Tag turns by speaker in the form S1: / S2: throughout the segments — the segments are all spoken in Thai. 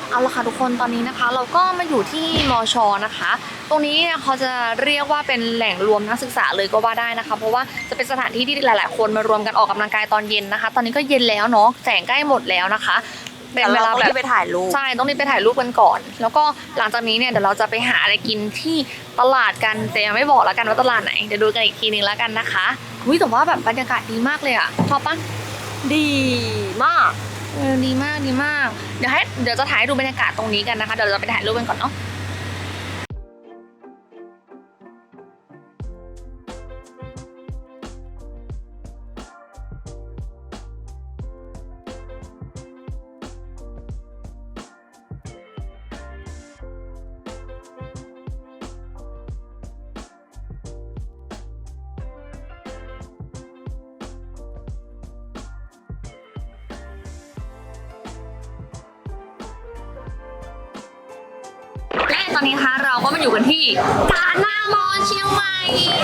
S1: เอาละค่ะทุกคนตอนนี้นะคะเราก็มาอยู่ที่มอชอนะคะตรงนี้เขาจะเรียกว่าเป็นแหล่งรวมนักศึกษาเลยก็ว่าได้นะคะเพราะว่าจะเป็นสถานที่ที่หลายๆคนมารวมกันออกกำลังกายตอนเย็นนะคะตอนนี้ก็เย็นแล้วเนาะแสงใกล้หมดแล้วนะคะเป็นเวลาแบบ
S2: ไปถ่ายรูป
S1: ใช่ต้องรีบไปถ่ายรูปกันก่อนแล้วก็หลังจากนี้เนี่ยเดี๋ยวเราจะไปหาอะไรกินที่ตลาดกันแต่ยังไม่บอกแล้วกันว่าตลาดไหนเดี๋ยวดูกันอีกทีนึงแล้วกันนะคะแต่ว่าแบบบรรยากาศดีมากเลยอะชอบปะ
S2: ดีมาก
S1: ดีมากดีมากเดี๋ยวจะถ่ายให้ดูบรรยากาศตรงนี้กันนะคะเดี๋ยวเราไปถ่ายรูปกันก่อนเนาะและตอนนี้นะคะเราก็มาอยู่กันที่กาหน้ามอเชียงใหม่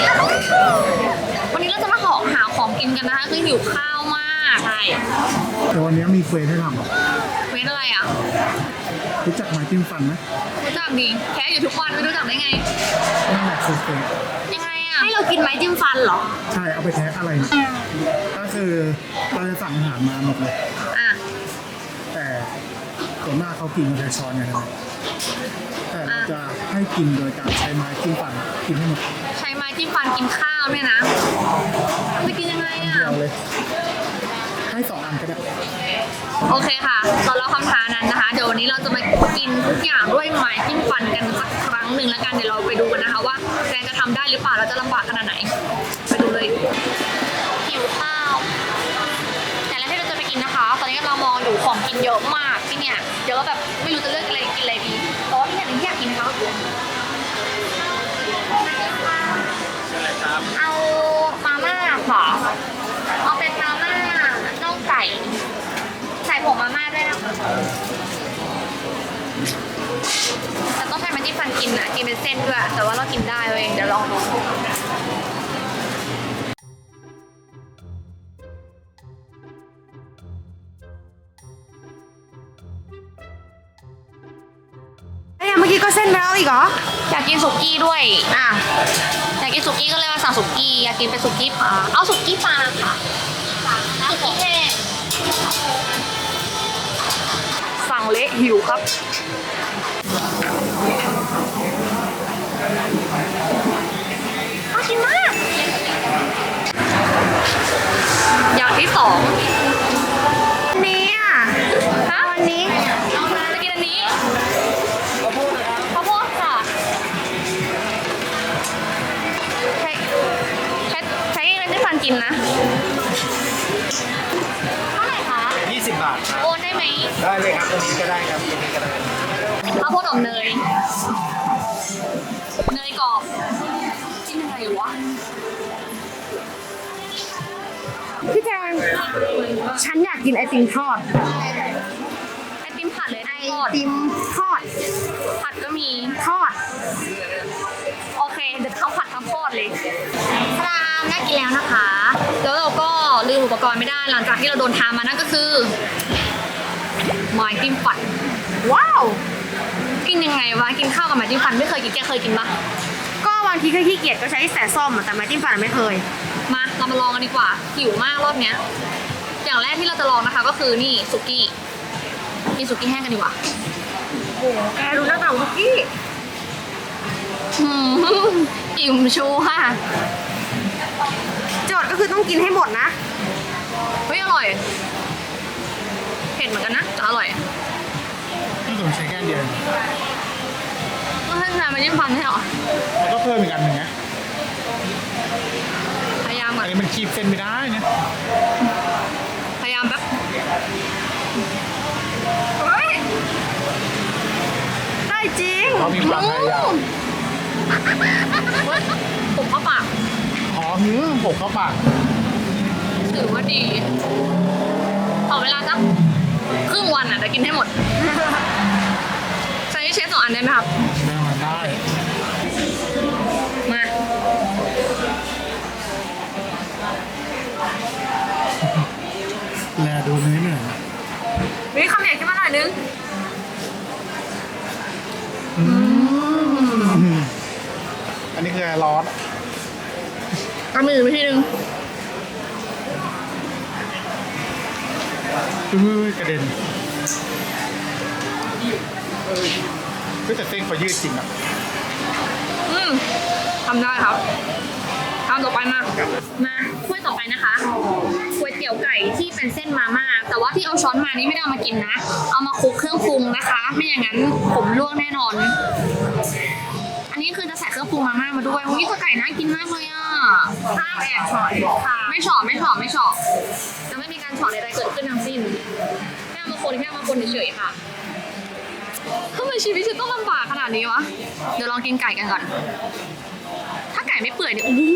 S1: วันนี้เราจะมาหาของกินกันนะคะคือหิวข้าวมากใช่
S3: แต่วันนี้มีเควสให้ทำอ่ะ
S1: เว้นอะไรอ่ะ
S3: รู้จักไม้จิ้มฟันไหม
S1: รู้จักดีแค่อยู่ทุกวันไม่รู้จักได้ไง
S3: นั่นแหละคือเควส
S1: ยังไงอ่ะ
S2: ให้เรากินไม้จิ้มฟันเหรอ
S3: ใช่เอาไปแทะอะไรเนี่ยก็คือเราจะสั่งอาหารมาหมดเลย
S1: อ่ะ
S3: แต่ส่วนมากเขากินกันใช้ช้อนไงครับแต่เราจะให้กินโดยการใช้ไม้จิ้มฟันกินให้หมด
S1: ใช้ไม้จิ้มฟันกินข้าวเนี่ยนะจะกินยังไงอ่ะ
S3: เดียวเลย ให้2 อันก็ได้
S1: โอเคค่ะตอนเราคำท้านั้นนะคะเดี๋ยววันนี้เราจะมากินทุกอย่างด้วยไม้จิ้มฟันกันสักครั้งหนึ่งแล้วกันเดี๋ยวเราไปดูกันนะคะว่าแฟนจะทำได้หรือเปล่าเราจะลำบากขนาดไหนไปดูเลยหิวข้าวแต่แล้วที่เราจะไปกินนะคะตอนนี้เรามองอยู่ของกินเยอะมากที่เนี่ยเยอะแบบไม่รู้จะเลือกอะไรกินอะไรดีแต่ว่าที่เนี่ยที่อยากกินนะคะก็คือเอามาม่าค่ะเอาเป็นมาม่าน่องไก่ใส่ผงมาม่าด้วยนะคะแต่ต้องใช้มันจิ้มฟันกินอ่ะกินเป็นเส้นด้วยแต่ว่าเรากินได้เว้ยเดี๋ยวลองดู
S2: เมื่อกี้ก็เส้นไปแล้วอีกเหรอ
S1: อยากกินสุกี้ด้วยอ่ะอยากกินสุกี้ก็เลยมาสั่งสุกี้อยากกินเป็นสุกี้ปลาเอาสุกี้ปลาค่ะสุกี้แห้งสั่งเละหิวครับน่ากินมากอย่างที่สอง
S2: นี้อ่ะ
S1: ฮะวันนี้จะกินอันนี้ข้าวโพดค่ะใช้เงินที่ฟันกินนะเท่าไหร่คะ
S3: 20 บาทครับ
S1: โอนได้ไหม
S3: ได้เลยครับตรงนี้ก็ได้ครับตรงนี้ก็ได้
S1: ข้าวโพดอบเนยเนยกรอบกินยังไงวะ
S2: พี่แจงฉันอยากกินไอติมทอด
S1: ไอติมผัดเลย
S2: ไอ
S1: ทอด
S2: ติมทอด
S1: ผัดก็มี
S2: ทอด
S1: โอเคเดี๋ยวข้าวผัดข้าวโพดเลยพรามน่ากินแล้วนะคะ แล้วเราก็ลืมอุปกรณ์ไม่ได้หลังจากที่เราโดนทามานั่นก็คือไม้จิ้มฟันว้าวกินยังไงวะกินข้าวกับไม้จิ้มฟันไม่เคยกินแกเคยกินปะ
S2: ก็บางทีก็ขี้เกียจก็ใช้แสส้มอะแต่ไม้จิ้มฟันไม่เคย
S1: มาเรามาลองกันดีกว่าหิวมากรอบเนี้ยอย่างแรกที่เราจะลองนะคะก็คือนี่สุกี้กินสุกี้แห้งกันดีกว่า
S2: โอ้โหแกดูหน้าตาคุกกี้
S1: อิ่มชูค่ะ
S2: โจทย์ก็คือต้องกินให้หมดนะ
S1: เฮ้ยอร่อยเผ็ดเหมือนกันนะแต่อร่อย
S3: นี่ผมใช้แค่เดียว
S1: ก็ให้ทานมาจิ้มฟันให้เหรอ
S3: แล้วก็เพิ่มอีกอันหนึ่งนะ
S1: พยายามก่
S3: อั
S1: อน น
S3: นี้มันคีบเส้นไม่ได้นะ
S1: พยายามแป๊บ
S2: เฮ้ย ได้จริง
S3: เรามีความพยายาม
S1: ผมเข้าปาก
S3: ผมเข้าปาก
S1: ถือว่าดีขอเวลาสักครึ่งวันอ่ะจะกินให้หมดใช้เชฟ2 อันได้ไหมครับ
S3: ได้
S1: มา
S3: แลดูเนื้อหน่อย
S1: มีคำใหญ่ขึ้นมาหน่อยนึง
S3: อันนี้คือร้อน
S1: เอามือไปทีนึง
S3: กระเด็นก็แต่เส้นเขายืดจริงอ่ะ
S1: ทำได้ครับทำต่อไปมาถ้วยต่อไปนะคะก๋วยเตี๋ยวไก่ที่เป็นเส้นมาม่าแต่ว่าที่เอาช้อนมานี่ไม่ได้เอามากินนะ เอามาคลุกเครื่องปรุงนะคะ ไม่อย่างนั้นผมลวกแน่นอน อันนี้คือจะใส่เครื่องปรุงมาม่ามาด้วยอุ้ยตัวไก่น่ากินมากเลยอ่ะห้ามแอบฉ่อยค่ะไม่ฉ่อจะไม่มีการฉ่อใดๆเกิดขึ้นทั้งสิ้นแค่เอามาคนเฉยๆค่ะทำไมชีวิตฉันต้องลำบากขนาดนี้วะเดี๋ยวลองกินไก่กันก่อน ถ้าไก่ไม่เปื่อยเนี่ยโอ้โห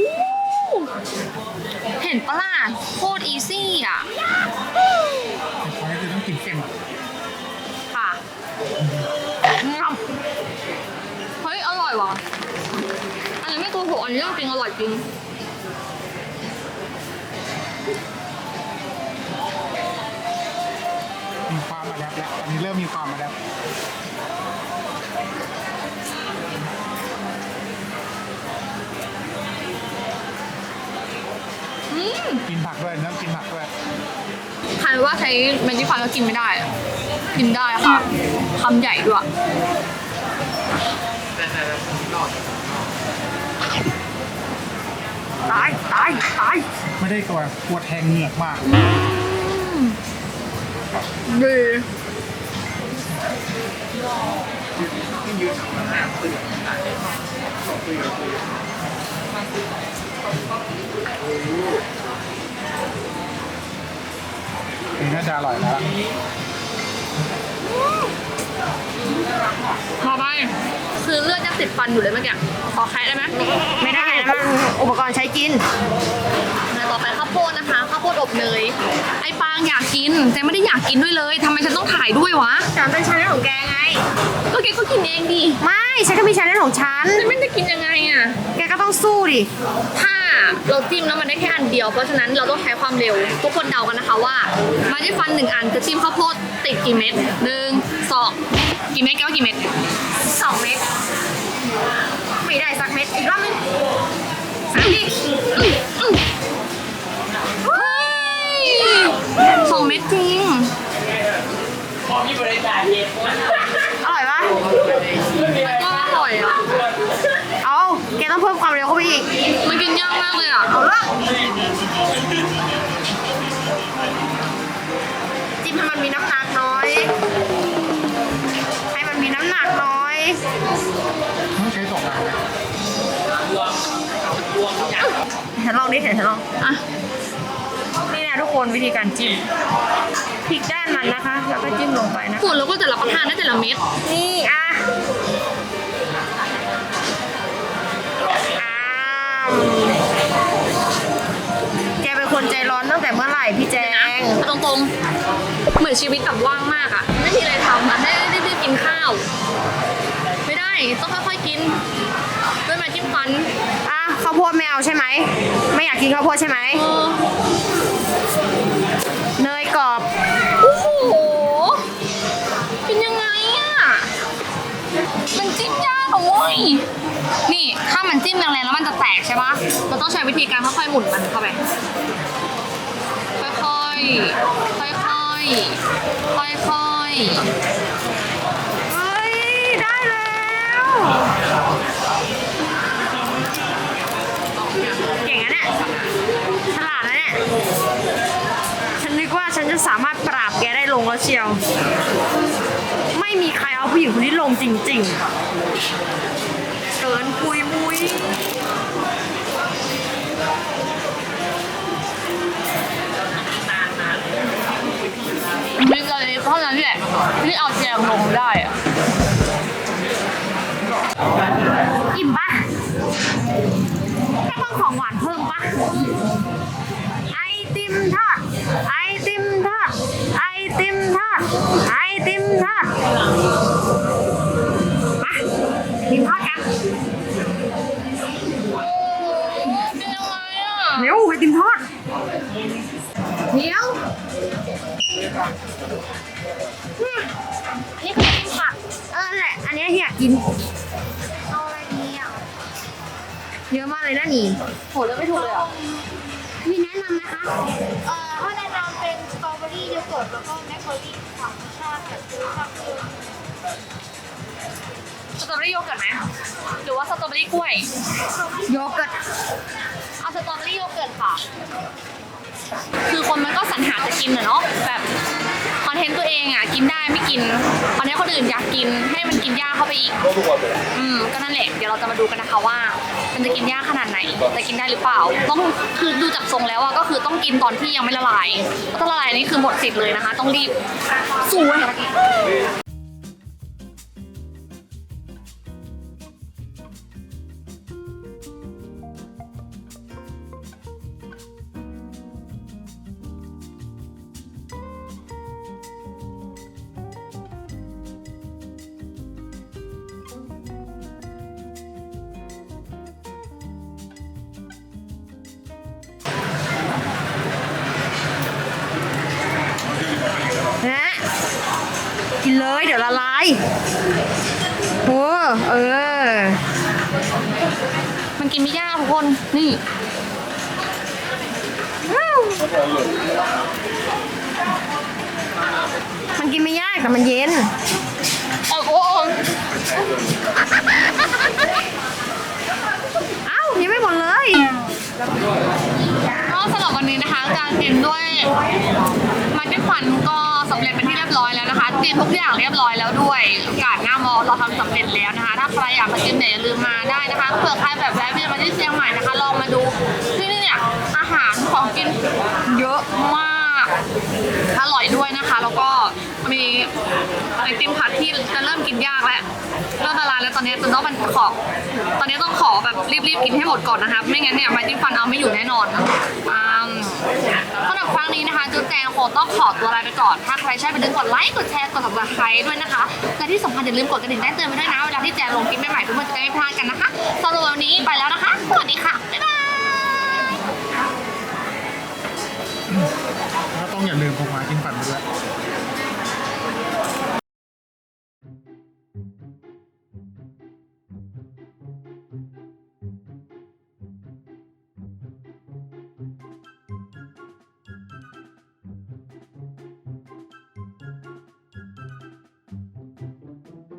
S1: เห็นปะล่ะโคตรอีซี่อ่ะ
S3: เขาคือต้องกินเค็มอ่ะ
S1: ค่ะเฮ้ยอร่อยว่ะอันนี้ไม่ตัวโหอันนี้จริงอร่อยจริง
S3: มีความมาแล้วอันนี้เริ่มมีความมาแล้วกินผักด้วยน้ำกินผักด้วย
S1: ใครว่าใช้เมจิฟันแล้วกินไม่ได้อะกินได้ค่ะคำใหญ่ด้วยตาย
S3: ไม่ได้ตัวปวดแทงเหงือกมาก
S1: ดี
S3: นี่น่าจะอร่อยแล้ว
S1: ต่อไปคือเลือดยังติดฟันอยู่เลยเมื่อกี้ขอใครได้ไหม
S2: ไม่ได้นะมันอุปกรณ์ใช้กิน
S1: แล้วต่อไปข้าวโพดนะคะข้าวโพดอบเนยไอ้ปางอยากกินแต่ไม่ได้อยากกินด้วยเลยทำไมฉันต้องถ่ายด้วยวะ
S2: แต่มันเป็นชาแนลของแกไง
S1: ก็แกก็กินเองดิ
S2: ไม่ฉันก็มีชาแนลของฉัน
S1: แต่ไม่ได้กินยังไงอ่ะ
S2: แกก็ต้องสู้ดิ
S1: ถ้าเราจิ้มแล้วมันได้แค่อันเดียวเพราะฉะนั้นเราต้องใช้ความเร็ว ทุกคนเดากันนะคะว่ามาที่ฟัน1 อันจะจิ้มข้าวโพดติดกี่เม็ด1 2กี่เม็ดแกว่ากี่เม็ด
S2: 2 เม็ดไม่ได้สักเม็ดอีกรอบนึง
S1: เฮ้ย2 เม็ดจริง
S2: อร่อยปะ
S1: ก็อร่อยอ่ะ
S2: เอาแกต้องเพิ่มความเร็วเข้าไปอีก
S1: มันกินยากมากเลยอ่ะ
S2: เอาละจิ้มให้มันมีน้ำหนักน้อย ให้มันมีน้ำหนักน้อย
S3: ต้องใช้2 อันนะ
S2: ฉันลองดิฉันลอง
S1: อ่ะ
S2: นี่นะทุกคนวิธีการจิ้มพลิกด้านมันนะคะ แล้วก็จิ้มลงไปนะ
S1: ส่วนเราก็จะรับประทานได้แต่ละเม็ด
S2: นี่อ่ะแกเป็นคนใจร้อนตั้งแต่เมื่อไหร่พี่แจ
S1: นะ
S2: ง
S1: ตรงๆเหมือนชีวิตแบบว่างมากอ่ะ ไม่มีอะไรทำอ่ะได้กินข้าว ไม่ได้ต้องค่อยๆกินด้วยไม้จิ้มฟัน
S2: อ่ะข้าวโพดไม่เอาใช่ไหม ไม่อยากกินข้าวโพดใช่ไหม
S1: เออ
S2: เนยกรอบ
S1: โอ้โหเป็นยังไงอ่ะมันจิ้มยากอ่ะเว้ยนี่ถ้ามันจิ้มแรงๆแล้วมันจะแตกใช่ปะเราต้องใช้วิธีการค่อยๆหมุนมันเข้าไปค่อยๆค่อยๆค่อยๆ
S2: เฮ้ย ได้แล้ว เก่งอะเนี่ย ฉลาดนะเนี่ย ฉันนึกว่าฉันจะสามารถปราบแกได้ลงแล้วเชียว ไม่มีใครเอาผู้หญิงคนนี้ลงจริงๆ เกินปุยมุย
S1: มีอะไรเท่านั้นแหละที่เอาแจงลงได้อะ
S2: อิ่มปะแค่เพิ่มของหวานเพิ่มปะไอติมทอด ไอติมทอด ไอติมทอด ไอติมทอดมาติมทอดกัน
S1: เป็นยังไงอ่ะ
S2: เร็วไอติมทอดเดี๋ยว
S1: นี่คือจิ้มผัก
S2: แหละ อันนี้อยากกิน
S1: เอาอะไรดีอ่ะ
S2: เยอะมากเลยนะนี่
S1: โหเลือกไม่ถูกเลยอ่ะ
S2: มีแนะนำนะคะ
S4: ถ้าแนะนำเป็นสตรอเบอรี่โยเกิร์ตแล้วก็แมคโครลี่สามรสชาติแบบคือชอบคือ
S1: สตรอเบอรี่โยเกิร์ตไหมหรือว่าสตรอเบอรี่กล้วย
S2: โยเกิร์ต
S1: เอาสตรอเบอรี่โยเกิร์ตค่ะ คือคนมันก็สรรหาจะกินอะเนาะแบบคอนเทนต์ตัวเองอ่ะกินได้ไม่กินคอนเทนต์คนอื่นอยากกินให้มันกินยากเข้าไปอีกก็นั่นแหละเดี๋ยวเราจะมาดูกันนะคะว่า มันจะกินยากขนาดไหนจะกินได้หรือเปล่า ต้องคือดูจากทรงแล้วอะก็คือต้องกินตอนที่ยังไม่ละลายถ้าละลายนี่คือหมดสิทธิ์เลยนะคะ ต้องรีบสู้ให้ทัน
S2: นะกินเลยเดี๋ยวละลายโอ้
S1: มันกินไม่ยากทุกคนนี่
S2: มันกินไม่ยากแต่มันเย็น
S1: โอ้โห
S2: เอ้ายังไม่หมดเลย
S1: ก็สำหรับวันนี้นะคะการกินด้วยมาจิ้มฟันก็สำเร็จเป็นที่เรียบร้อยแล้วนะคะกินทุกอย่างเรียบร้อยแล้วด้วยกาดหน้ามอเราทำสำเร็จแล้วนะคะ ถ้าใครอยากมากินเนี่ยอย่าลืมมาได้นะคะเผื่อใครแบบแวะเวียนมาที่เชียงใหม่นะคะลองมาดูที่นี่เนี่ยอาหารของกินเยอะมากอร่อยด้วยนะคะ แล้วก็มีไอติมผัดที่จะเริ่มกินยากแล้วเริ่มละลายแล้วตอนนี้จะต้องมันขอตอนนี้ต้องขอแบบรีบๆกินให้หมดก่อนนะคะไม่งั้นเนี่ยไม้จิ้มฟันเอาไม่อยู่แน่นอนสำหรับครั้งนี้นะคะจุ๊แจงคงต้องขอตัวลาไปก่อน ถ้าใครใช่ไปดึงกดไลค์กดแชร์กด subscribe ด้วยนะคะและที่สำคัญอย่าลืมกดกระดิ่งแจ้งเตือนไปด้วยนะเวลาที่แจงลงคลิปใหม่ๆเพื่อนๆจะได้ไม่พลาดกันนะคะสำหรับวันนี้ไปแล้วนะคะสวัสดีค่ะบ๊ายบาย
S3: แล้วต้องอย่าลืมพกไม้จิ้มฟันไปด้วย